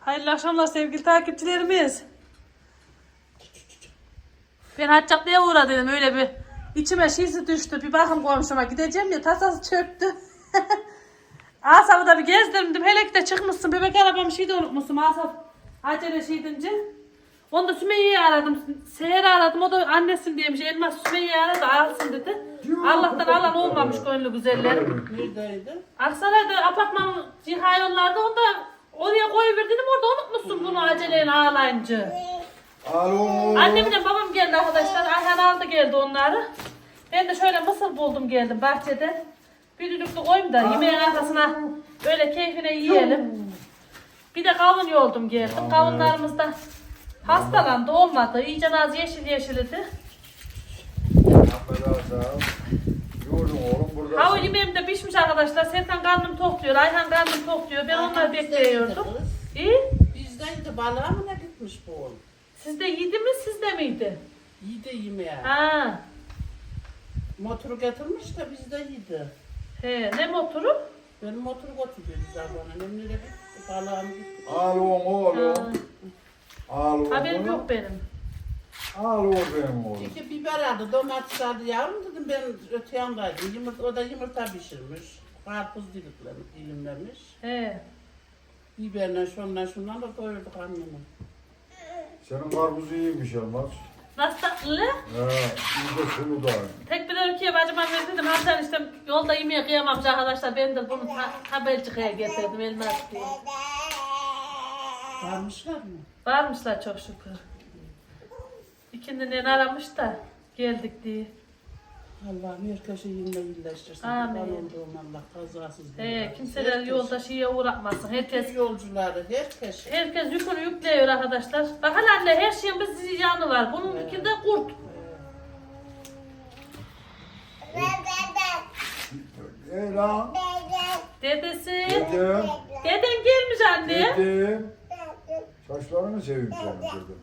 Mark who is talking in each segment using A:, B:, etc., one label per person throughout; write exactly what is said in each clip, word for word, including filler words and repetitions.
A: Hayırlı akşamlar sevgili takipçilerimiz. Ben Haccaplı'ya uğradım, öyle bir içime şişi düştü. Bir bakın komşuma gideceğim ya, tasası çöktü. Asaf'ı da bir gezdirdim. Hele ki de çıkmışsın, bebek arabamı şey de unutmuşsun Asaf. Acele şey deyince. Onu da Sümeyye'yi aradım. Seher'i aradım, o da annesin diyemiş. Elmas Sümeyye'yi aradı, alsın dedi. Allah'tan alan olmamış gönlü güzellerim.
B: Neredeydi?
A: Aksaray'da apartman ciha yollarda, onu da oraya koyuverdim, orada unutmuşsun bunu aceleyle ağlayınca.
C: Alo.
A: Annemle babam geldi arkadaşlar. Ayhan aldı geldi onları. Ben de şöyle mısır buldum geldim bahçede. Bir düdüklü koyayım da yemeğin arkasına böyle keyfine yiyelim. Bir de kavun yoldum geldim. Kavunlarımız da hastalandı, olmadı. İyice az yeşil yeşildi.
C: Yordum oğlum burada.
A: Hava yemeğim de pişmiş arkadaşlar. Serkan karnım tok diyor, Ayhan karnım tok diyor. Ben onları bekliyordum. İyi.
B: Bizdeydi, balığa mı ne gitmiş bu oğlum?
A: Sizde yedi mi, sizde miydi?
B: Yedi yemeğe.
A: Ha.
B: Motoru getirmiş de bizde yedi.
A: He, ne motoru?
B: Benim motoru götürdü zamanı. Nemlere gitti, balığa mı gitti?
C: Alo oğlum. Alo.
A: Haberim yok benim.
C: Alo benim oğlum.
B: İki biber aldı, domates aldı yavrum dedim ben öte yandaydım. Yumurta, o da yumurta pişirmiş. Karpuz diliklemiş, dilimlemiş.
A: He.
B: Biberle şunla şundan da doyurduk annemi.
C: Senin karpuzu iyiymiş Elmas.
A: Nasıl tatlı?
C: He, iyi de sulu da.
A: Tek bir ülkeye bacıma verdim. Hatta işte yolda yemeğe kıyamamış arkadaşlar. Ben de bunu ta Habercika'ya getirdim Elmas diye.
B: Varmışlar mı?
A: Varmışlar çok şükür. İkinden aramış da geldik diye.
B: Allah'ım herkese yine iyileştirsin.
A: Amin.
B: Kurban olduğum Allah kazasız.
A: He, kimseler yolda şeye uğratmasın. Herkes
B: Herkes yolcuları, herkes.
A: herkes yükünü yüklüyor arkadaşlar. Bakın anne, her şeyin bir ziyanı var. Bunun
B: Evet.
A: ikinde kurt.
C: Ey lan.
A: Dedesi.
C: Dedem.
A: Deden gelmiş anne.
C: Dedem. Saçlarını seveyim senin dedim.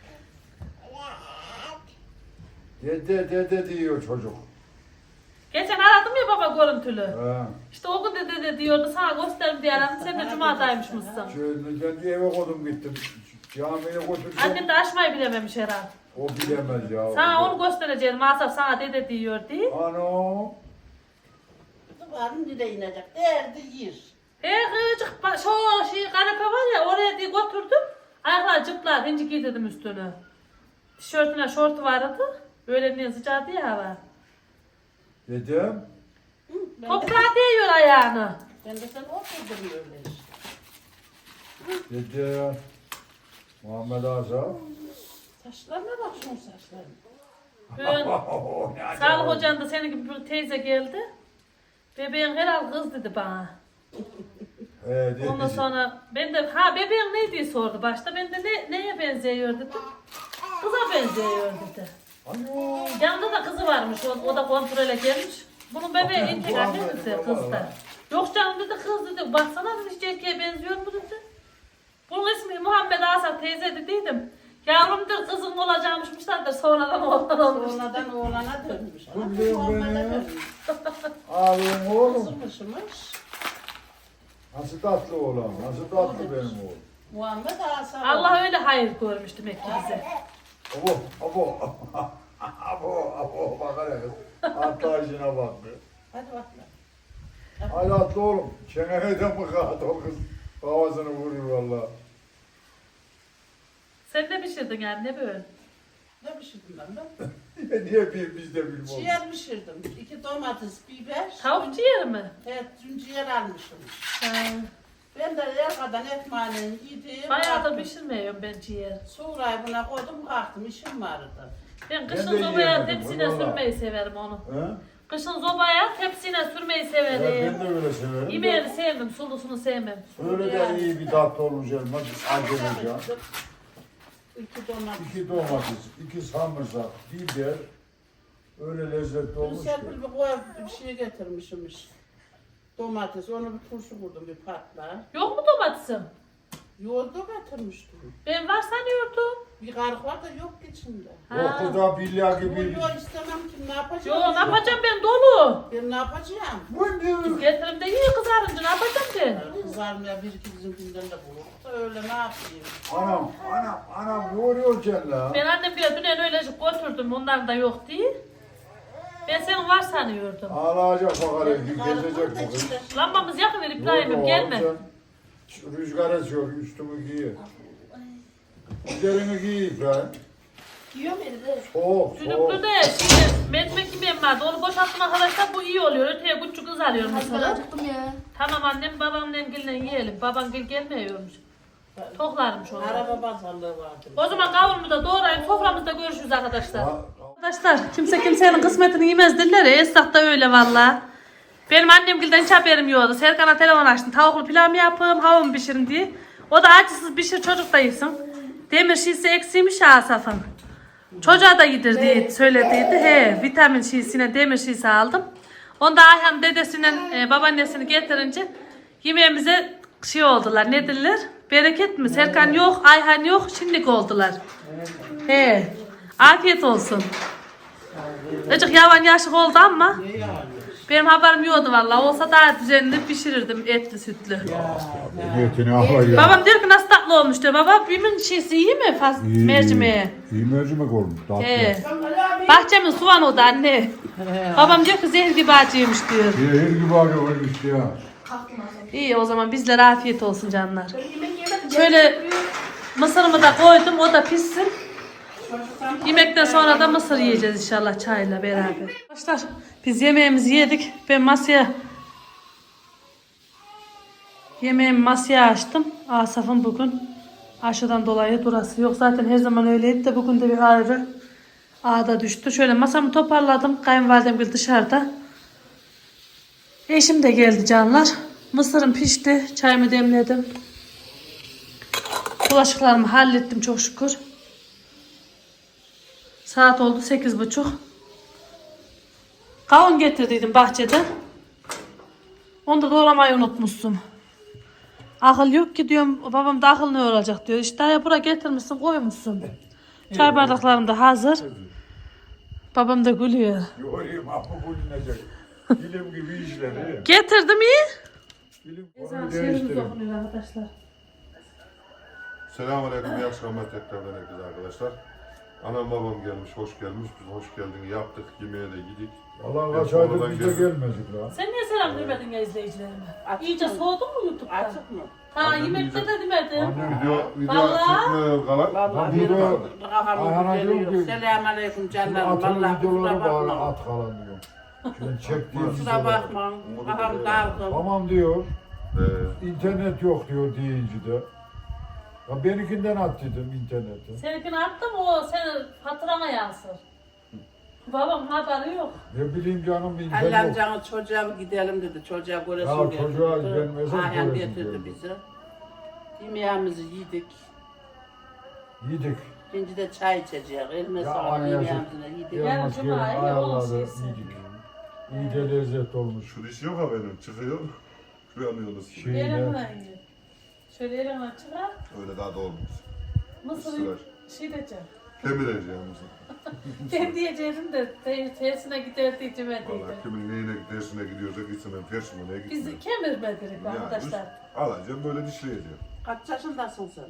C: Dede dede diyor çocuk.
A: Geçen aradım ya baba görüntülü.
C: He.
A: İşte o gün de dede diyordu, sana gösterim diye aradım. Sen de cumadaymışmışsın.
C: Şöyle kendi eve koydum gittim. Camiye götürdüm.
A: Annem de açmayı bilememiş herhalde.
C: O bilemez ya.
A: Sana onu göstereceğim. Asaf sana dede diyor diye.
C: Ano.
B: Varım dile inecek. Derdi yer.
A: He kızcık, ba- şu şey kanepe var ya, oraya diye götürdüm. Ayaklar cıplar, hinci giydirdim üstünü. Tişörtüne şortu vardı. Böyle niye sıcağı ya hava.
C: Dedem.
B: Hı, ben, de,
A: Toprağa değiyor ayağını.
B: ben de sen oturdum öyle işte.
C: Dede. Muhammed Asaf.
B: Saçlarına bak şunun saçlarına.
A: Ben, Sağlık hocan da senin gibi bir teyze geldi. Bebeğin herhal kız dedi bana.
C: He dedi.
A: Ondan sonra ben de ha bebeğin ne diye sordu başta. Ben de ne, neye benziyor dedim. Kıza benziyor dedi.
C: Ano.
A: Yanında da kızı varmış, o, o da kontrole gelmiş. Bunun bebeği
C: Bakın,
A: erkek
C: bu
A: anne
C: Ahmet
A: dedi,
C: baba
A: kız da.
C: var.
A: Yok canım dedi, kız dedi. Baksana dedi, hiç erkeğe benziyor mu dedi. Bunun ismi Muhammed Asaf teyze dediydim. Yavrumdur, kızım olacakmışmışlardır, sonradan oğlan olmuş.
B: Sonradan oğlana dönmüş.
C: Dur
B: Ana,
C: diyorum
B: Muhammed'e
C: ben ya.
B: dönmüş.
C: Ağlayın oğlum.
B: Kızmışmış.
C: Nasıl tatlı oğlan. Nasıl tatlı benim oğlum.
B: Muhammed Asaf.
A: Allah öyle hayır görmüş demek ki bize.
C: Abo. Abo. Abo. Abo. Bakar ya kız. Atla işine bak.
B: Hadi bakalım.
C: Hadi atla oğlum. Çeneye de mi kaat o kız. Kafasını vurur valla.
A: Sen ne pişirdin yani, ne böyle?
B: Ne pişirdim ben de?
C: Niye bir biz de bilmiyoruz.
B: Ciğer pişirdim. İki domates, biber.
A: Tavuk ciğer mi?
B: Evet, dün ciğer almışım.
A: Ha.
B: Ben de yerkadan ekmeğini yedim.
A: Bayağı da
B: kalktım.
A: pişirmiyorum ben ciğer.
B: Sonrayı buna koydum, kalktım. İşim vardı.
A: Ben
C: Ben
A: kışın
C: de
A: sobaya
C: yiyemedim,
A: tepsine
C: vallahi.
A: sürmeyi severim onu.
C: He?
A: Kışın sobaya tepsine sürmeyi
C: Evet,
A: severim.
C: ben de öyle severim. de.
A: Yemeğini sevmem, sulusunu sevmem.
C: Öyle de iyi bir tatlı olmuş elmas. Acılıca.
B: İki domates.
C: İki domates, iki sarımsak, biber. Öyle lezzetli
B: Bunu
C: olmuş ki.
B: Serpil bir koy bir şey getirmişmiş. Domates, onu bir turşu vurdum bir patla.
A: Yok mu domatesim?
B: Yoğurdu getirmiştim.
A: Ben var sanıyordum.
B: Bir karık var da yok ki içinde.
C: O kız da billahi
B: Yok
C: gibi.
B: yok istemem ki ne
A: Yo,
B: yapacağım?
A: ne yapacağım ben, dolu.
B: Ben ne yapacağım?
C: Bu ne?
A: Getirim de iyi kızarınca ne yapacağım ben?
B: Kızarmaya bir iki bizim günden de bulur da. öyle ne yapayım?
C: Anam, anam, anam ne oluyor sen la?
A: Ben annem bile dün öyle götürdüm onların da yok diye. Ben senin var sanıyordum.
C: Ağlayacak bakalım, gezecek bu kız.
A: Lambamız yakın ver İbrahim'im gelme.
C: Sen rüzgar esiyor, üstümü giy. Üzerini giy İbrahim.
D: Yiyor mu evde?
C: Soğuk,
A: Düdüklü
C: soğuk.
A: de şimdi mercimek yemeğim vardı. Onu boşalttım arkadaşlar. Bu iyi oluyor. Öteye küçük kız alıyorum
D: Hadi ben
A: mesela.
D: acıktım ya.
A: Tamam annem babamla gille yiyelim. Baban gel gelmiyormuş. Toklarmış onu.
B: Araba pazarlığı vardı.
A: O zaman kavurmu da doğrayıp soframızda görüşürüz arkadaşlar.
C: Ha,
A: Arkadaşlar kimse kimsenin kısmetini yemez derler ya. Esnaf da öyle valla. Benim annem gilden hiç haberim yoktu. Serkan'a telefon açtım. Tavuklu pilav mı yapayım, hava mı pişirin diye. O da acısız pişir çocuk da yesin. Demir şişesi eksiymiş ya Asaf'ın. Çocuğa da yedir diye söylediydi. He, vitamin şişesine demir şişesi aldım. Onda Ayhan dedesinin e, babaannesini getirince yemeğimize şey oldular. Ne derler? Bereket mi? Serkan yok, Ayhan yok. Şimdilik oldular. He. Afiyet olsun. Azıcık yavan yaşık oldu ama
B: Ne yani?
A: benim haberim yoktu vallahi. Olsa daha düzenli pişirirdim etli sütlü.
C: niyetini ağlar ya.
A: Babam diyor ki nasıl tatlı olmuş diyor. Baba bimin şeysi iyi mi faz
C: İyi,
A: mercimeğe?
C: İyi mercimek olmuş, tatlı.
A: He. Bahçemin soğanı o da anne. Babam diyor ki zehir gibi acıymış diyor.
C: Zehir gibi arıyor işte ya.
D: Kalktım az önce.
A: İyi o zaman bizlere afiyet olsun canlar.
D: Ben yemek yemedim.
A: Şöyle mısırımı da koydum o da pişsin. Yemekten sonra da mısır yiyeceğiz inşallah çayla beraber. Arkadaşlar biz yemeğimizi yedik. Ben masaya yemeğimi masaya açtım. Asaf'ın bugün aşıdan dolayı durası yok. Zaten her zaman öyleydi de bugün de bir ayrı ağda düştü. Şöyle masamı toparladım. Kayınvalidem bir dışarıda. Eşim de geldi canlar. Mısırım pişti. Çayımı demledim. Bulaşıklarımı hallettim çok şükür. Saat oldu sekiz buçuk. Kavun getirdiydim bahçeden. Onu da doğramayı unutmuşsun. Akıl yok ki diyorum. Babam da akıl ne olacak diyor. İşte ya buraya getirmişsin koymuşsun. Çay bardaklarım da hazır. Babam da gülüyor.
C: Yorayım ama bulunacak. Dilim gibi işleri.
A: Getirdim iyi.
C: Dilim
A: Ezan
C: onu
A: şiirimiz
C: değiştirin.
A: okunuyor arkadaşlar.
E: Selamünaleyküm, iyi akşamlar tekrardan herkese arkadaşlar. Anam babam gelmiş, hoş gelmiş. Biz hoş geldin yaptık, yemeğe de gidik.
C: Allah
E: Ben
C: kaç aydır
E: sonradan
C: bize
E: geldim.
C: gelmedik la.
A: Sen niye selam vermedin ya izleyicilerime?
B: Açık
A: İyice
B: mı?
A: soğudun mu YouTube'da?
B: Açık mı?
A: Ha
E: Annem
A: yemekte
E: iyice-
A: de demedim.
C: Annem
E: Video, video
A: Vallahi.
E: çekme kalan.
B: Vallahi
C: Lan
B: benim
C: burada
B: kafamın
C: Ayhan'a
B: güzeli
C: diyorum
B: yok.
C: ki,
B: Selamünaleyküm
C: Şimdi
B: canlarım.
C: atın
B: Vallahi
C: videoları
B: kusura
C: bari
B: bakma.
C: at falan diyor. Şimdi çektiğim
B: Kusura
C: videoları.
B: bakma. Kafam dalgın.
C: Tamam diyor.
E: Ee,
C: İnternet yok diyor deyince de. Ya benimkinden at dedim interneti.
A: Seninkini attım o senin hatırana yansır. Babam haberi yok.
C: Ne bileyim canım internet
B: Allah'ım
C: yok.
B: canı çocuğa bir gidelim dedi. Çocuğa göresin
C: Ya
B: geldi.
C: çocuğa gelmez,
B: Ayhan
C: göresin
B: getirdi
C: geldi.
B: bizi. Yemeğimizi yedik.
C: Yedik.
B: Şimdi de çay içeceğiz. Elime
C: Ya
B: sağlık
C: anne
B: yemeğimizi de yedik.
A: Yarın
C: Elmas
A: cuma,
C: gelin
A: iyi, onun
C: ayarladı
A: şeysi.
C: yedik. İyi de lezzet olmuş.
E: şu diş yok ha benim, çıkıyor. Uyanıyoruz.
C: Şeyle.
A: Elimle yiyin. Şöyle elimle çıkar.
E: Öyle daha da olmaz.
A: Mısırı
E: Isırar.
A: şey diyeceğim.
E: Kemireceğim mısın?
A: Ben diyeceğim de te- tersine gider diyeceğim
E: Valla
A: diyeceğim.
E: kimin neyine dersine gidiyorsa gitsin, ben tersine neye
A: Biz
E: gitsin.
A: kemirmedik arkadaşlar.
E: Alacağım böyle dişleyeceğim.
B: Kaç yaşındasın sen?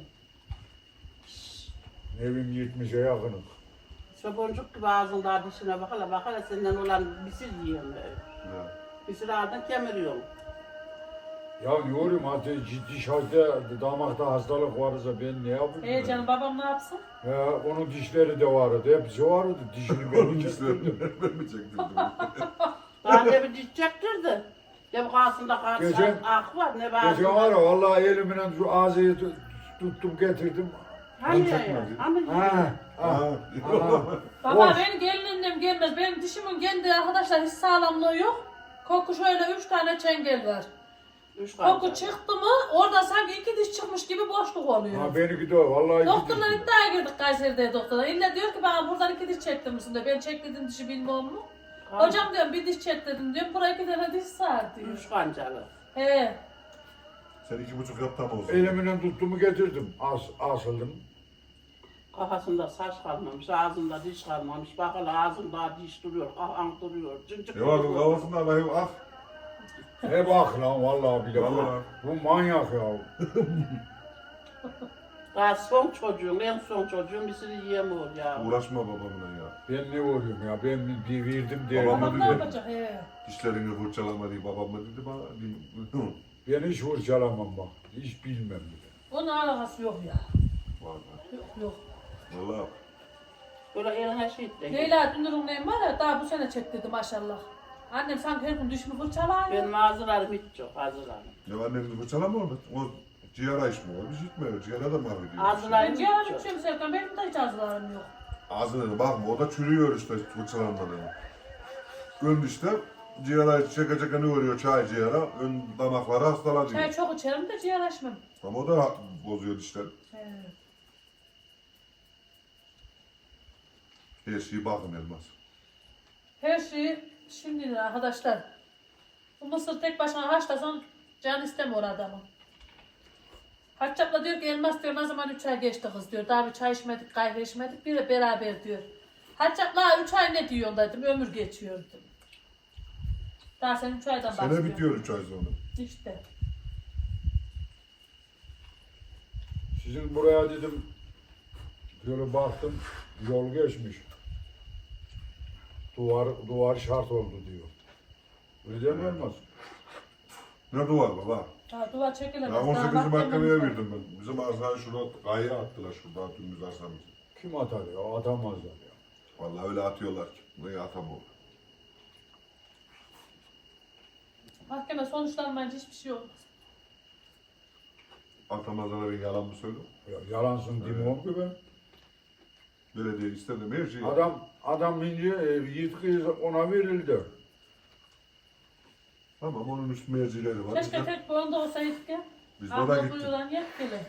C: Evim yetmişe yakınım.
B: Şu boncuk gibi ağzında dişine bak hele bak hele senden olan bisir yiyorum böyle.
E: Ya.
B: Bisir ağzından kemiriyorum.
C: Ya diyorum hadi ciddi şarjda damakta hastalık varsa ben ne yapayım?
A: Ee canım babam ne yapsın?
C: Ya onun dişleri de vardı. Hepsi vardı. Dişini ben
E: Onun
C: kestirdim.
E: dişlerini ben mi çektirdim?
B: Daha ne bir diş çektirdi. Ne bu ağzında kan
C: Geçen-
B: ak var ne
C: Geçen
B: bazı.
C: var ya vallahi elimle şu ağzıyı tu- tuttum getirdim.
B: Hani ya
E: çekmedi.
B: ya. Hani
C: Ha, ha,
E: Ha,
C: ha.
A: Baba
C: Of.
A: benim gelinim gelmez. Benim dişimin kendi arkadaşlar hiç sağlamlığı yok. Koku şöyle üç tane çengel var.
B: Üç
A: Koku
B: kan.
A: çıktı mı orada sanki iki diş çıkmış gibi boşluk oluyor.
C: Ha benimki de o vallahi.
A: Doktorlar
C: gittim.
A: iddiaya girdik Kayseri'de doktorlar. İlla diyor ki bana buradan iki diş çektirmişsin diyor. Ben çektirdim dişi bilmem mu? Hocam diyorum bir diş çektirdim diyorum. Buraya iki tane diş sar diyor.
B: Üç kancalı.
A: He.
E: Sen iki buçuk yap tam olsun.
C: Elimle tuttumu getirdim. As, asıldım.
B: Kafasında saç kalmamış, ağzında diş kalmamış. Bak hele ağzında diş duruyor, kafan duruyor. Cıncık
E: Ne var bunun kafasında Allah'ım ah.
C: Ne bak lan vallahi bile.
E: Vallahi.
C: Bu manyak ya.
B: Daha son çocuğum, en son çocuğum bir sürü yiyemiyor ya.
E: Uğraşma babamla ya.
C: Ben ne oluyorum ya? Ben bir, bir verdim diye.
E: Babam
A: Babam ne
E: dedi.
A: yapacak? He.
E: Dişlerini fırçalama diye babam da dedi bana.
C: Ben hiç fırçalamam bak. Hiç bilmem bile.
A: Onun alakası yok ya.
E: Vallahi.
A: Yok yok.
E: Vallahi.
B: Böyle eline şey de.
A: Leyla Dünür'ün neyim var ya daha bu sene çektirdi maşallah. Annem sanki her gün düşmü fırçalar.
B: Benim ağzılarım hiç yok, ağzılarım.
E: Ya annem de fırçalama orada. O ciğer içmiyor. Bir şey içmiyor. Ciğere de mahvediyor.
B: Ağzılar-
A: Ben ciğerim içiyorum Serkan. Benim de hiç ağzılarım yok.
E: Ağzına bakma. O da çürüyor işte fırçalanmadan. Ön dişte ciğer çeke çeke ne oluyor çay ciğere. Ön damakları hastalanıyor.
A: Çay çok içerim de ciğer içmem.
E: Ama o da bozuyor dişleri.
A: He.
E: Her şeyi bakın Elmas.
A: Her şeyi şimdi arkadaşlar. Bu mısır tek başına haşlasan can istemiyor adamın. Haccapla diyor ki Elmas diyor ne zaman üç ay geçti kız diyor. Daha bir çay içmedik, kahve içmedik, bir de beraber diyor. Haccapla üç ay ne diyorsun dedim, ömür geçiyor dedim. Daha sen üç aydan bahsediyorsun.
E: Sene bitiyor üç ay sonra.
A: İşte.
C: Sizin buraya dedim, böyle baktım, yol geçmiş. Duvar, duvar şart oldu diyor. Öyle değil mi Elmas?
E: Ne duvar baba?
A: Daha duvar çekilemez.
E: Ya on
A: daha
E: sekizinci
A: mahkememiz
E: mahkemeye
A: var.
E: verdim ben. Bizim arsayı şurada kayaya attılar şurada dümdüz arsamızı.
C: Kim atar ya? Atamazlar ya.
E: Vallahi öyle atıyorlar ki. Buraya atamıyor.
A: Mahkeme sonuçlanmayınca hiçbir şey olmaz.
E: Atamazlara ben yalan mı söylüyorum?
C: Ya yalansın demiyorum ki ben.
E: Belediye istedim her şeyi.
C: Adam, adam ince e, yetki ona verildi.
E: Tamam onun üst mercileri var.
A: Keşke
E: Biz de,
A: tek boyunda olsaydık ya.
E: biz de oraya
A: Abla
E: gittik.
A: buyuran yetkili.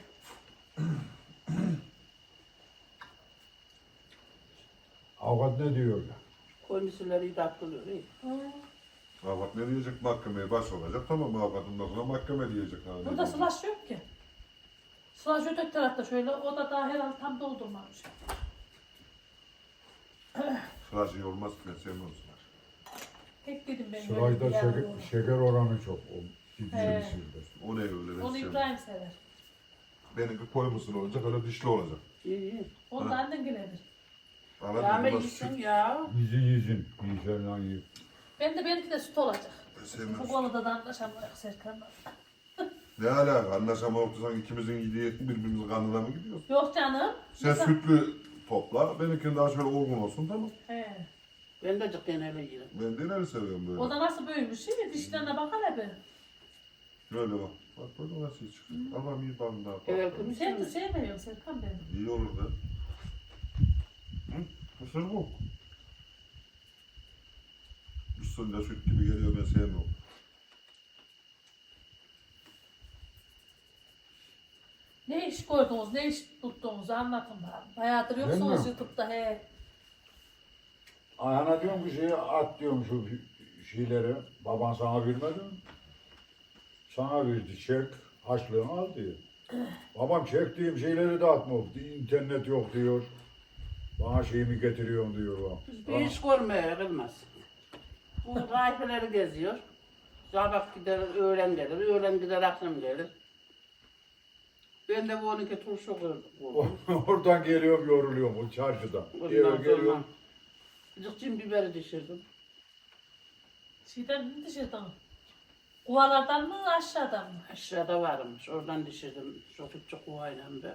C: Avukat ne diyor?
B: Komisyonları iyi takılıyor. iyi.
E: Avukat ne diyecek? Mahkemeye baş olacak. Tamam avukatından sonra mahkeme diyecek. Ha, ne
A: Burada
E: diyecek?
A: slash yok ki. Slash öteki tarafta şöyle, o da daha herhalde tam doldurmamış.
E: Sıraç iyi olmaz ki ben sevmem sıraç.
A: Tek dedim ben.
C: Sırayda
A: böyle bir yer
C: şeker,
A: yok.
C: şeker oranı çok. O gidiyor
A: He.
C: sizde.
E: O ne öyle ben
A: Onu
E: sevmem.
A: İbrahim sever.
E: Benimki koymusun olacak öyle dişli olacak.
B: İyi iyi.
A: Onu da annen gelir.
E: Anladın
B: Yağma
E: mı?
B: yesin
E: Süt.
B: ya.
C: Yüzü yüzün. Yüzün lan yüz.
A: Ben de benimki de süt olacak.
E: Ben sevmem
A: Bu
E: süt.
A: konuda da anlaşamayız Serkan'la.
E: Ne alaka? Anlaşamayıp sanki ikimizin gidiği birbirimizin kanına mı gidiyoruz?
A: Yok canım.
E: Sen
A: Mesela-
E: sütlü topla, benimkinin daha şöyle olgun olsun tamam.
A: He.
B: Ben de cidden öyle yerim.
E: Ben de neleri seviyorum böyle.
A: O da nasıl büyümüş değil mi? Dişlerine bakar hep.
E: Böyle bak. Bak böyle nasıl çıkıyor. Allah'ım iyi bana daha.
B: Evet,
E: bak.
A: Sen de sevmiyorsun Serkan benim.
E: İyi olur da. Hı? Mısır bu. Mısır da süt gibi geliyor ben sevmiyorum.
A: Ne iş koydunuz, ne iş tuttuğunuzu anlatın bana. Bayağıdır yoksunuz
C: mi?
A: YouTube'da he.
C: Ayağına diyorum ki şeyi at diyorum şu şeyleri. Baban sana vermedi mi? Sana verdi çek. Haçlığını al diyor. Babam çektiğim şeyleri de atmıyor. İnternet yok diyor. Bana şeyimi getiriyorsun diyor o.
B: Biz bir iş görmeye kılmaz. Bu rayfeleri geziyor. Sabah gider, öğlen gelir, öğlen gider, akşam gelir. Ben de bu onunki turşu kurdum.
C: Oradan geliyorum yoruluyorum o çarşıdan. Eve
B: Ondan sonra
C: geliyorum.
B: cıkçın biberi düşürdüm.
A: Şeyden mi dışarıdan? Kuvalardan mı aşağıdan mı?
B: Aşağıda varmış, oradan düşürdüm. Çok küçük kuvayla be.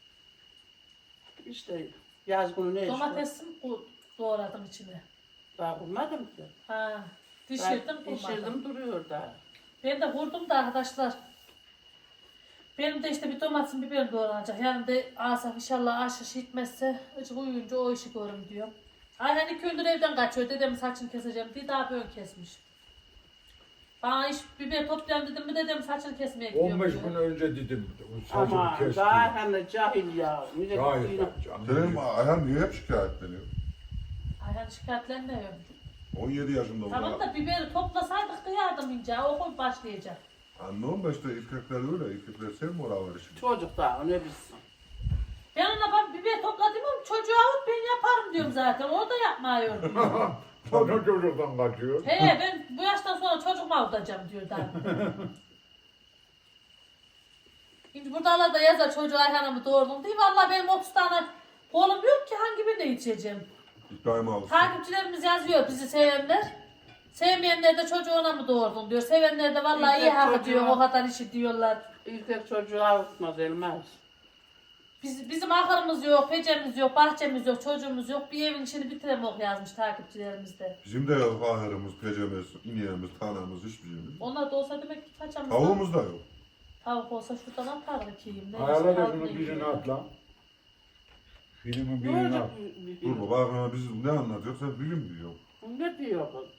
B: İşte yaz günü ne iş var?
A: Domates mi bu- doğradım içine?
B: Daha kurmadım ki.
A: Ha,
B: Ben
A: dişirdim kurmadım.
B: Düşürdüm duruyor daha.
A: Ben de vurdum da arkadaşlar. Benim de işte bir domatesin biberim doğranacak. Yani de Asaf inşallah aşış gitmezse hiç uyuyunca o işi görürüm diyor. Ayhan iki gündür evden kaçıyor. Dedem saçını keseceğim diye daha böyle kesmiş. Bana iş biber toplayalım dedim mi dedem saçını kesmeye gidiyor.
C: on beş
A: diyor.
C: gün önce dedim. Saçımı
B: Ama
C: kes
B: daha
C: diyor.
B: hem de cahil ya. Millet
C: Cahil
B: duyuyor.
C: canım.
E: Senin Ayhan niye hep şikayetleniyor?
A: Ayhan şikayetlenmiyor.
E: on yedi yaşında bu
A: Tamam da biberi toplasaydık da yardım ince. Okul başlayacak.
E: Anlıyorum da işte erkekler öyle. Erkekler sevmiyor var işini.
B: Çocuk daha ne bilsin.
A: Ben ona bak biber topladım ama çocuğu alıp ben yaparım diyorum zaten. O da yapmıyor diyor.
C: Sonra çocuktan kaçıyor.
A: He ben bu yaştan sonra çocuk mu avutacağım diyor daha. Şimdi buralar da yazar çocuğu Ayhan'ımı doğurdum diye. Vallahi benim otuz tane oğlum yok ki hangi birine yetişeceğim.
E: İbrahim alıştı.
A: Takipçilerimiz yazıyor bizi sevenler. Sevmeyenler de çocuğuna mı doğurdun diyor. Sevenler de vallahi iyi
B: İlk
A: hak
B: çocuğu-
A: diyor, o kadar işi diyorlar.
B: İlk çocuğu avutmaz Elmas.
A: Biz, bizim ahırımız yok, pecemiz yok, bahçemiz yok, çocuğumuz yok. Bir evin işini bitiremok yazmış takipçilerimiz de.
E: Bizim de yok ahırımız, pecemiz, ineğimiz, tanemiz, hiçbir şeyimiz yok.
A: Onlar da olsa demek ki paçamız.
E: Tavuğumuz da yok.
A: Tavuk olsa şuradan atardık yiyeyim. Ne
C: Ayarla
A: işte,
C: da
A: altına
C: şunu birini
A: yiyor.
C: atla. Filmin
B: Ne
C: birini
B: olacak?
C: at.
E: Dur baba aklıma biz ne anlatıyor sen bilim diyor.
B: Ne diyor kız?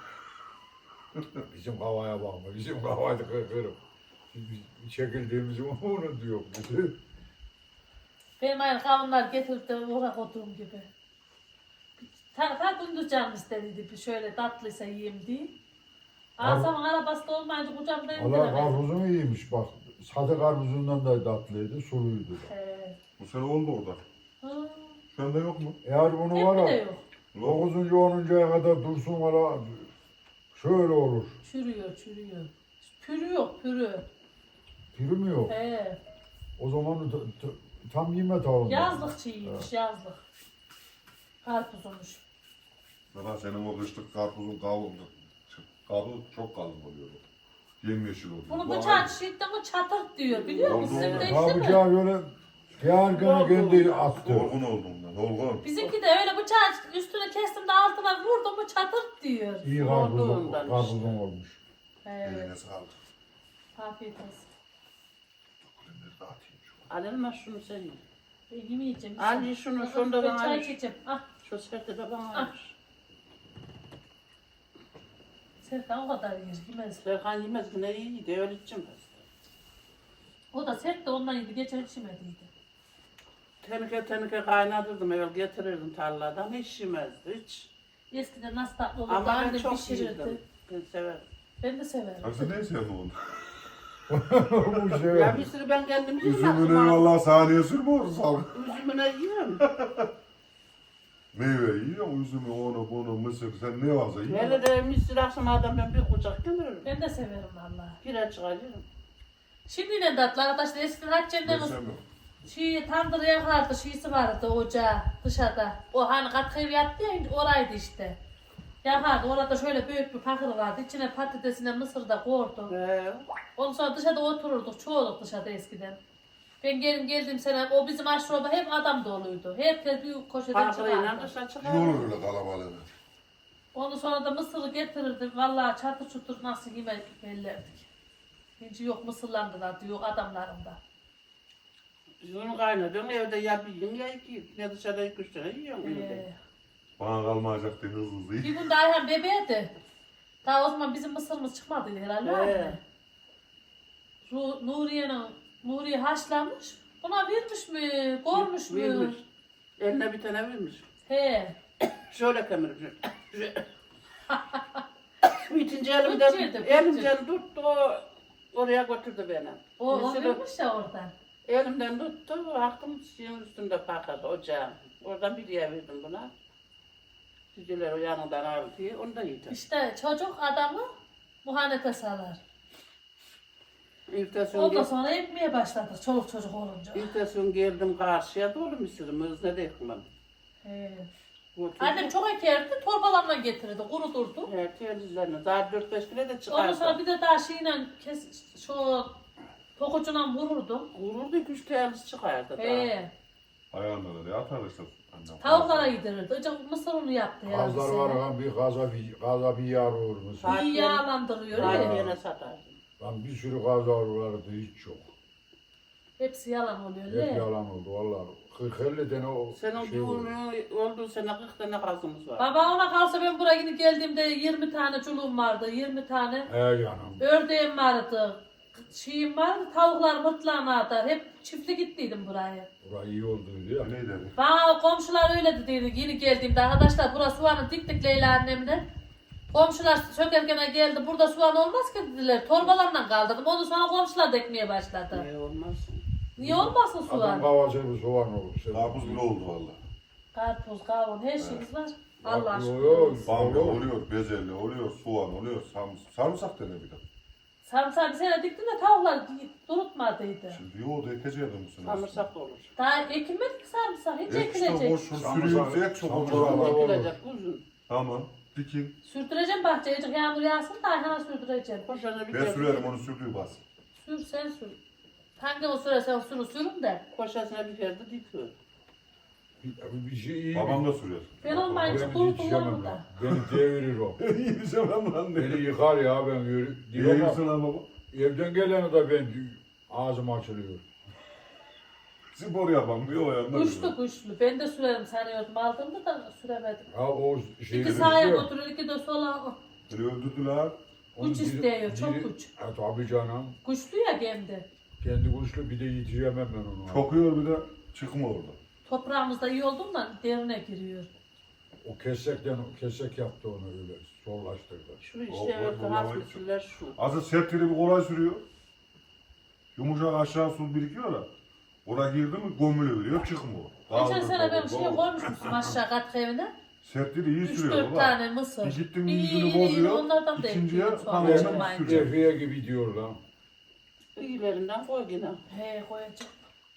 C: Bizim havaya bakma. Bizim havayı kırırım. Biz çekildiğimizi onu diyor.
A: Benim aynı kavunlar getirip de oraya koyduğum gibi. Ta, ta gündüz canım istediydi bir şöyle tatlıysa yiyeyim diye. Asamın arabası da olmayınca kucağımda
C: Allah
A: indiremedim.
C: karpuzunu iyiymiş bak. Sade karpuzundan da tatlıydı, suluydu.
A: He.
E: Bu sene oldu orada.
A: Hı.
E: Şu anda yok mu?
C: Eğer bunu
A: Hep
C: var
A: de
C: ya,
A: yok.
C: dokuzuncu onuncuya kadar dursun valla şöyle olur.
A: Çürüyor, çürüyor. Pürü yok, pürü.
C: Piri mi yok?
A: He.
C: O zaman t- t- tam yeme tavuğunda.
A: Yazlık çiğiymiş, yazlık. Karpuzumuş.
E: Valla senin o kışlık karpuzun kabuğu, kabuğu çok kalın oluyor. Yemyeşil oluyor.
A: Bunu
E: Bu
A: bıçağı
E: aynı.
A: çiğittin mi çatır diyor. Biliyor musun?
E: Oldu,
A: Sizin
E: oldu.
A: de
C: Ha
A: işte mi?
C: bıçağı böyle gergene kendi attı.
E: Dolgun olduğundan, dolgun.
A: Bizimki de öyle bıçağı üstüne kestim de altına vurdum mu çatır diyor.
C: İyi karpuzun,
B: Olduğundan işte.
C: karpuzun olmuş.
A: Evet.
E: Eline sağlık.
A: Afiyet olsun.
E: Kulemleri dağıtayım şu an.
B: Al Elmas şunu sen ye.
A: Ben yemeyeceğim.
B: Al ye şunu, şunu da
A: Ben
B: bana
A: çay
B: ver.
A: içeceğim. Ah,
B: Şu serte de bana
A: Ah.
B: ver.
A: Serkan o kadar yer yemez.
B: Serkan yemez ki ne iyi de öyle içeceğim.
A: O da sert de ondan yedi. Geçen içmediydi.
B: Tenike tenike kaynatırdım evvel getirirdim tarladan hiç yemezdi hiç.
A: Eskiden nasıl tatlı olurdu.
B: Ama ben
A: Annem
B: çok
A: pişirirdi.
B: yedim. Ben severim.
A: Ben de severim.
E: Abi sen ne sevdin onu?
C: Bu şey.
B: Ya bir sürü ben kendim yiyeyim.
E: Üzümüne vallahi saniye sürme orası sağlık.
B: Üzümüne yiyorum.
E: Meyve yiyor, üzümü, onu, bunu, mısır, sen ne varsa yiyor.
B: Hele de misir akşam adam ben bir kucak gömürüm.
A: Ben de severim valla.
B: Pire çıkarıyorum.
A: Şimdi ne tatlı arkadaşlar. Eskiden Hatice'nin
E: Ben sevmiyorum.
A: şey tandır yakardı. Şeysi vardı ocağı dışarıda. O hani katı ev yattı ya oraydı işte. Yakardı. Orada şöyle büyük bir pakır vardı. İçine patatesine mısır da koydu.
B: Ee,
A: Ondan sonra dışarıda otururduk. Çoğuluk dışarıda eskiden. Ben geldim geldim sene o bizim aşroba hep adam doluydu. Herkes büyük koşudan
B: Farkıyla
A: çıkardı.
B: dışarı
E: İyi
B: çıkardım.
E: olur öyle kalabalığına.
A: Ondan sonra da mısırı getirirdi. Vallahi çatır çutur nasıl yemek bellerdik. Hiç yok mısırlandılar diyor adamlarında.
B: Bunu kaynatıyorum evde ya bir yiyin ya iki yiyin. Ya dışarıda iki üç tane yiyorum.
A: Ee,
E: Bana kalmayacak diye hızlı hızlı
A: bir
E: yiyin.
A: gün de Ayhan bebeğdi. Daha o zaman bizim mısırımız çıkmadıydı herhalde.
B: Ee.
A: anne. Ru- Nuriye'nin Nuriye haşlamış. Buna vermiş mi? Koymuş mu?
B: Vermiş. Eline bir tane vermiş.
A: He.
B: Şöyle kemirmiş. Bitince elimden,
A: Bütçeydi, bütçe.
B: elimden tuttu o oraya götürdü beni.
A: O, o
B: Mısırı-
A: vermiş ya oradan.
B: Elimden tuttu, baktım şeyin üstünde patladı ocağın. Oradan bir diye verdim buna. Cüceler o yanından aldı diye, onu da yedim.
A: İşte çocuk adamı muhanete salar.
B: İltesun,
A: Ondan
B: gel,
A: sonra ekmeye başladık çoluk çocuk olunca.
B: İltesun geldim karşıya dolu mısırımız ne de ekmem.
A: He.
B: Götürdüm.
A: Annem çok ekerdi, torbalarla getirirdi, kurudurdu.
B: Evet, telizlerine. Daha dört beş kilo da
A: Ondan sonra
B: çıkardı.
A: bir de daha şeyle kes, şu tokucuna vururdum.
B: Vururdu iki üç teliz çıkardı daha.
A: He.
E: Ayağında da ne atar işte. annem.
A: Tavuklara yedirirdi. Önce mısır unu yaptı herhalde.
C: Gazlar var lan bir gaza bir gaza bir yar olur musun?
A: İyi yağlandırıyor.
B: Daha
A: he.
B: yine satardım.
C: Lan bir sürü gazlar vardı hiç yok.
A: Hepsi yalan oluyor.
C: Hep
A: He.
C: yalan oldu vallahi. kırk elli tane o
B: Senin
C: şey oldu.
B: düğünün olduğu sene kırk tane kazımız var.
A: Baba ona kalsa ben buraya yine geldiğimde yirmi tane çuluğum vardı. yirmi tane
C: He yanım.
A: ördeğim vardı. Şeyim vardı. Tavuklar mırtlağına atar. Hep çiftli gittiydim buraya.
C: Burası iyi olduydu ya.
E: Ne dedi?
A: Bana komşular öyle dediydi yeni geldiğimde. Arkadaşlar burası soğanı diktik Leyla annemle. Komşular sökerken geldi. Burada soğan olmaz ki dediler. Torbalarla kaldırdım. Ondan sonra komşular da ekmeye başladı.
B: Ne olmaz.
A: Niye olmasın
C: Adam
A: soğan?
C: kavacı bir soğan olur. Sen-
E: Karpuz bile oldu valla.
A: Karpuz, kavun her şeyimiz var. Allah
C: Yok, yok.
A: aşkına.
E: Bamya
C: Olur.
E: oluyor, bezelye oluyor, soğan oluyor, sarımsak, sarımsak dene bir de.
A: Sarımsağı bir sene diktim de tavuklar durutmadıydı.
E: Şimdi yoğurdu ekeceğim bu sene.
B: Sarımsak da olur.
A: Daha ekilmedi ki sarımsak. Hiç
E: Ek işte
A: ekilecek.
E: boş sürüyoruz ek çok olur
C: Sarımsak-
E: ama.
C: olur.
B: Ekilecek uzun.
E: Tamam. Dikin.
A: Sürdüreceğim bahçeye. Azıcık yağmur yağsın da Ayhan'a sürdüreceğim.
B: Koşana bir
E: Ben
B: kere-
E: sürerim onu sürdüğü bas.
A: Sür sen sür. Hangi o sürersen sürü sürün de.
B: Koşasına bir kere de dikiyor.
C: Bir, bir şey iyi.
E: Babam da sürer.
A: Ben olmayınca
C: Beni
A: kuru
C: yetişemem
A: kullanırım
C: lan.
A: da.
C: Beni devirir o.
E: Yiyeceğim lan ne?
C: Beni yıkar ya ben yürü.
E: Niye
C: Diyor ama
E: yiyorsun lan baba?
C: evden geleni de ben ağzım açılıyor.
E: Spor yapam diyor o yandan.
A: Güçlü güçlü. Ben de sürerim sanıyordum. Aldığımda da süremedim.
C: Ha o şeyi
A: İki sağa götürür, iki de sola.
E: Beni öldürdüler.
A: Güç istiyor, çok güç.
C: Ha, tabii canım.
A: Güçlü ya kendi.
C: Kendi güçlü bir de yetişemem ben onu.
E: Çok yiyor bir de çıkma orada.
A: Toprağımızda iyi olduğundan derine giriyor.
C: O kesekten kesek yaptı onu öyle zorlaştırdı.
B: Şu
E: O-
B: işte
E: o-
B: evet
E: o-
B: hafif usuller şu.
E: Azı sertleri bir kolay sürüyor. Yumuşak aşağı su birikiyor da. Oraya girdi mi gömülü veriyor çıkmıyor.
A: Geçen
E: Kaldır,
A: sene ben
E: kaldır,
A: şey
E: kaldır.
A: koymuşmuşum aşağı kat evine.
E: Sertleri iyi
A: Üç
E: sürüyor
A: dört
E: baba.
A: tane mısır.
E: Bir gittim
A: İyi,
E: yüzünü
A: iyi, iyi.
E: bozuyor.
A: Onlardan da
E: İkinciye
A: ekliyorum sonra
E: tamamen
A: çıkmayınca.
E: sürüyor.
C: Defiye gibi diyor lan.
B: İyilerinden koy yine.
A: He koyacağım.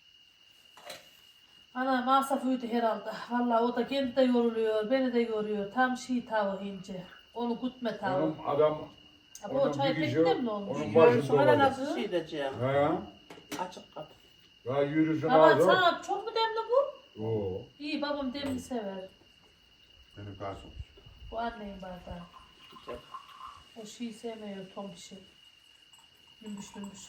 A: Ana masraf uydu herhalde. Vallahi o da kendi de yoruluyor, beni de yoruyor. Tam şey tavuğu ince. Onu gütme tavuğu.
C: Onun adam
A: Ha, bu
C: onun
A: çay
C: bir kişi-
A: pek mi olmuş?
C: onun
B: Görürsün
C: başında
B: hala
C: olacak.
B: nasıl şey edeceğim.
C: He?
B: Açık kat.
C: Ya yürüsün
A: Baba
C: ağzı.
A: sana çok mu demli bu?
C: Oo.
A: İyi babam demli sever.
E: Benim garson.
A: Bu annenin bardağı.
B: Güzel.
A: O şeyi sevmiyor tom şey. Lümbüş lümbüş.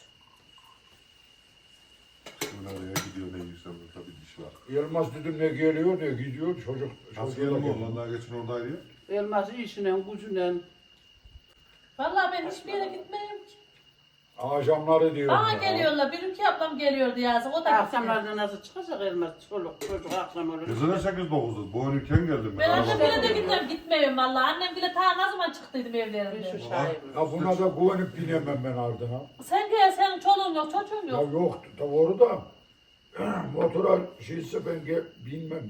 E: Şöyle nereye gidiyor ne yiyorsa burada bir diş var.
C: Yılmaz dedim ne geliyor ne gidiyor çocuk.
E: Nasıl
C: çocuğu da
E: geldi mi
C: geliyor.
E: oğlan daha geçen oradaydı ya.
B: Elmas işine, gücüne.
A: Vallahi ben hiçbir yere gitmeyeyim ki.
C: Akşamları diyor.
A: Bana
C: ya.
A: geliyorlar. Bir iki ablam geliyordu yazık. O da gitti.
B: Akşamlarda nasıl çıkacak elmas? Çoluk çocuk akşam olur.
E: Kızına sekiz dokuzda. Boynuyken geldim
A: Ben
E: ben.
A: annemle de gitmem, gitmiyorum vallahi. Annem bile ta ne zaman çıktıydım
B: Bir
A: evlerinde.
B: şu şahit.
C: Ya buna da güvenip binemem ben ardına.
A: Sen gel, senin çoluğun yok, çocuğun
C: Ya
A: yok.
C: yok doğru da motora şeyse ben ge- binmem.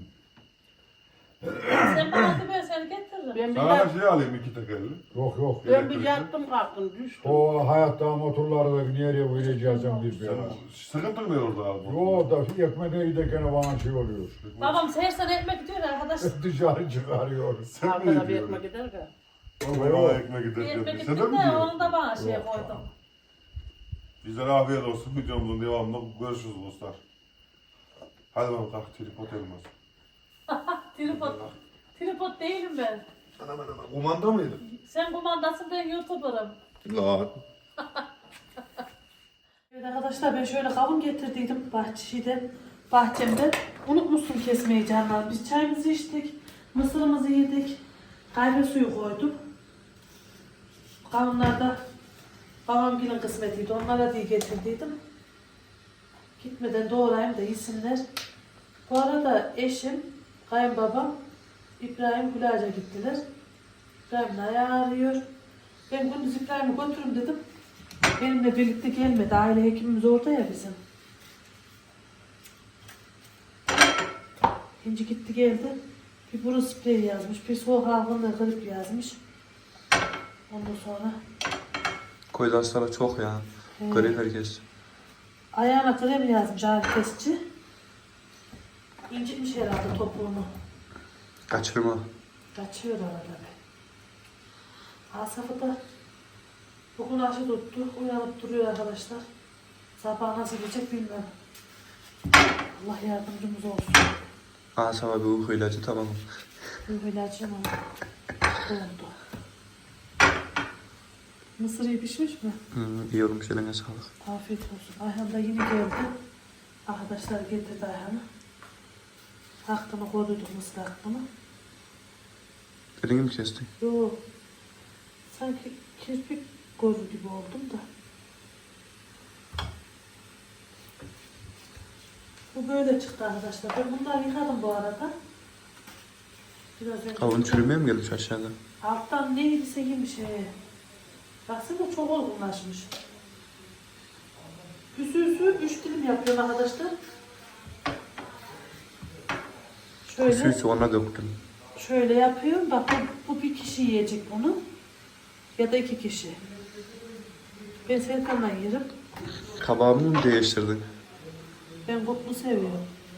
A: Sen bana de ben seni getiririm.
B: Ben bir,
E: Sana
B: yat,
E: da şey alayım iki tekerli.
C: Yok yok.
B: ben bir yattım kalktım düştüm.
C: O hayatta motorları da nereye koyacağız bir bir
E: Sen
C: ara.
E: sıkıntın mı orada abi?
C: Yo da ekmeğe giderken bana şey oluyor.
A: Babam her sene ekmek gidiyor arkadaş.
C: Dışarı çıkarıyor.
E: Sen mi
B: Arkada bir
E: gidiyorsun?
B: ekmek gider ki.
C: Baba
E: Baba
C: yok.
E: ekmek
A: Bir
E: gider.
A: ekmek
E: Sen de
A: gittim
E: mi
A: de
E: gidiyorsun?
A: onu da bana şey
C: Yok,
A: koydum.
C: tamam.
E: Bizlere afiyet olsun. Videomuzun devamında görüşürüz dostlar. Hadi bakalım kalk tripod elmas.
A: Tripod. Tripod değilim ben.
E: Anam anam. Kumanda mıydı?
A: Sen kumandasın, ben YouTuber'ım.
E: La.
A: Evet arkadaşlar, ben şöyle kavun getirdiydim bahçeden, bahçemden. Unutmuşsun kesmeyi canlar. Biz çayımızı içtik, mısırımızı yedik, kahve suyu koydum. Kavunlar da babam gelin kısmetiydi, onlara diye getirdiydim. Gitmeden doğrayayım da yesinler. Bu arada eşim, kayınbabam, İbrahim Gülağaç'a gittiler. İbrahim'in ayağı ağrıyor. Ben gündüz İbrahim'i götürürüm dedim. Benimle birlikte gelmedi. Aile hekimimiz orada ya bizim. İnci gitti geldi. Bir burun spreyi yazmış. Bir soğuk algınlığı grip yazmış. Ondan sonra
F: Koydu hastalık çok ya.
A: He.
F: Grip herkes.
A: ayağına krem yazmış ağrı kesici. İncitmiş herhalde topuğunu.
F: Kaçırma.
A: Kaçıyor arada bir. Asafı da bugün aşı tuttu. Uyanıp duruyor arkadaşlar. Sabah nasıl geçecek bilmem. Allah yardımcımız olsun.
F: Asam abi uyku ilacı tamam.
A: Bu ilacım oldu. Mısır iyi pişmiş mi?
F: Hmm, iyi olmuş eline sağlık.
A: Afiyet olsun. Ayhan da yine geldi. Arkadaşlar getirdi Ayhan'ı. Hakkını koruyduk mısır hakkını.
F: Elini mi kestin?
A: Yo. Sanki kirpik görür gibi oldum da. Bu böyle çıktı arkadaşlar. Ben bunları yıkadım bu arada. Biraz önce.
F: Kavun çürümeye mi gelmiş aşağıda?
A: Alttan neydiyse yemiş he. Baksana çok olgunlaşmış. Üsü üsü üç dilim yapıyorum arkadaşlar. Şöyle,
F: Suyu sonra döktüm.
A: şöyle yapıyorum. Bak bu, bu bir kişi yiyecek bunu. Ya da iki kişi. Ben Serkan'la yerim.
F: Kabağımı mı değiştirdin?
A: Ben kutlu seviyorum.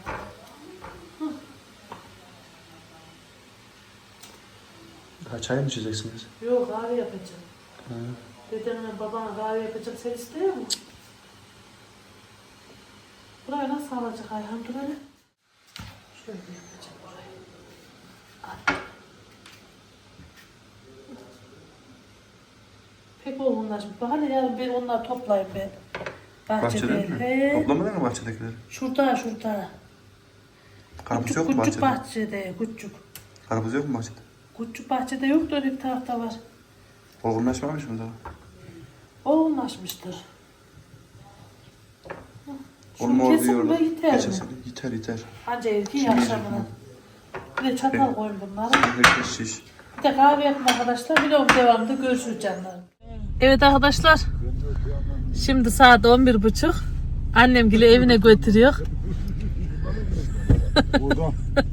F: Ha, çay mı içeceksiniz?
A: Yok kahve yapacağım.
F: Ha.
A: Dedemle babana kahve yapacak. Sen istiyor musun? Burayı nasıl alacak Ayhan? Dur hele. Şöyle yapacağım burayı. Al. Pek olgunlaşmış. Bak hele yarın ben onları toplayayım ben. Bahçede.
F: Bahçede mi?
A: He.
F: Toplamadın mı bahçedekileri?
A: Şurada şurada.
F: Karpuz
A: Küçük,
F: yok mu
A: küçük
F: bahçede?
A: bahçede. Küçük.
F: Karpuz yok mu bahçede?
A: Küçük bahçede yok da öyle bir tarafta var.
F: Olgunlaşmamış mı daha?
A: Olgunlaşmıştır.
F: Onu
A: Şunu
F: mor
A: kesin
F: diyorlar.
A: ve yeter mi?
F: Geçen sene. Yeter yeter.
A: Anca erkeği
F: Şimdi
A: akşamına. Bir de çatal koyun bunlara.
F: Herkes şiş.
A: Bir de kahve yapın arkadaşlar. Vlog devamında görüşürüz canlarım. Evet arkadaşlar. Şimdi saat on bir buçuk. Annem gibi evine götürüyor.
C: Buradan.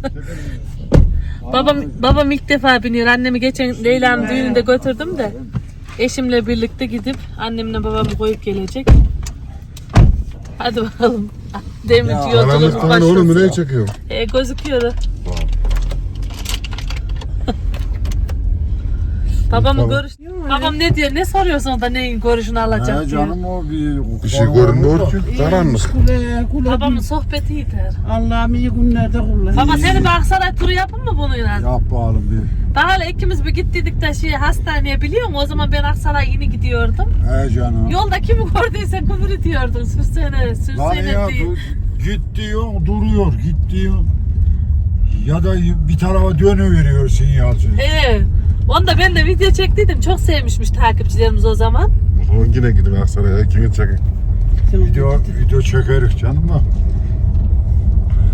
A: Babam babam ilk defa biniyor. Annemi geçen Leyla'nın düğününde götürdüm de. Eşimle birlikte gidip annemle babamı koyup gelecek. Hadi bakalım. Deminci yolculuğumuz
E: Karanlıktan oğlum nereye
A: başlasın.
E: çekiyorum?
A: E, gözüküyor. Babamın görüş... Babam ne diyor? Ne soruyorsun da neyin görüşünü alacak
C: He
A: diyor.
C: canım o bir...
E: Bir şey görünmüyor ki. Karanlık.
B: Kule kule.
A: Babamın sohbeti yeter.
B: Allah'ım iyi günlerde kullan.
A: Baba seni bir Aksaray turu yapın mı bununla?
C: Yap bakalım bir.
A: Daha hala ikimiz bir gittiydik de şey hastaneye biliyor musun? O zaman ben Aksaray'a yeni gidiyordum.
C: He canım.
A: Yolda kimi gördüyse küfür ediyordun. Sürsene,
C: Lan
A: sürsene
C: ya
A: diye.
C: dur, git diyor duruyor git diyor. Ya da bir tarafa dönüveriyor sinyalci.
A: Evet. Onu da ben de video çektiydim. Çok sevmişmiş takipçilerimiz o zaman.
E: O zaman yine gidin Aksaray'a. İkiniz çekin.
C: Video, video çekerik canım da.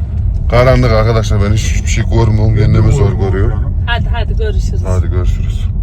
E: Karanlık arkadaşlar, ben hiçbir şey görmüyorum. Kendimi zor görüyorum.
A: Hadi hadi görüşürüz.
E: Hadi görüşürüz.